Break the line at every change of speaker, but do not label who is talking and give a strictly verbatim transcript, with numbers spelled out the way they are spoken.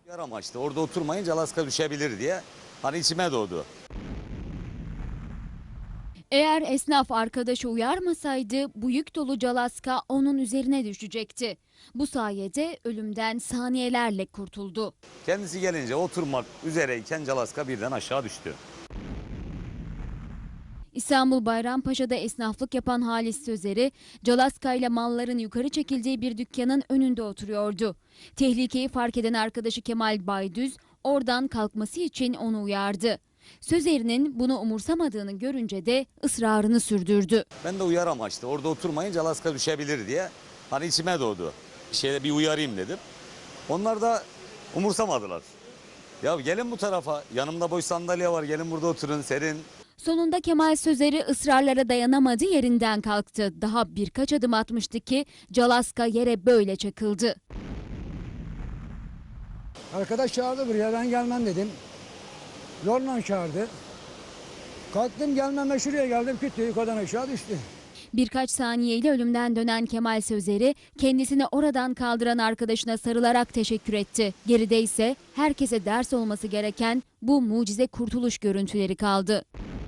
Yar amaçlı orada oturmayınca Alaska düşebilir diye hani içime doğdu.
Eğer esnaf arkadaşı uyarmasaydı bu yük dolu calaska onun üzerine düşecekti. Bu sayede ölümden saniyelerle kurtuldu.
Kendisi gelince oturmak üzereyken Alaska birden aşağı düştü.
İstanbul Bayrampaşa'da esnaflık yapan Halis Sözer'i, Calaska ile malların yukarı çekildiği bir dükkanın önünde oturuyordu. Tehlikeyi fark eden arkadaşı Kemal Baydüz oradan kalkması için onu uyardı. Sözer'in bunu umursamadığını görünce de ısrarını sürdürdü.
Ben de uyar amaçlı orada oturmayınca Alaska düşebilir diye hani içime doğdu. Bir şeyde bir uyarayım dedim. Onlar da umursamadılar. Ya gelin bu tarafa, yanımda boş sandalye var, gelin burada oturun, serin.
Sonunda Kemal Sözer'i ısrarlara dayanamadı, yerinden kalktı. Daha birkaç adım atmıştı ki Calaska yere böyle çakıldı.
Arkadaş çağırdı buraya, ben gelmem dedim. Zorla çağırdı. Kalktım gelmeme, şuraya geldim, küt diye yukarıdan aşağı düştü.
Birkaç saniyeyle ölümden dönen Kemal Sözer'i kendisini oradan kaldıran arkadaşına sarılarak teşekkür etti. Geride ise herkese ders olması gereken bu mucize kurtuluş görüntüleri kaldı.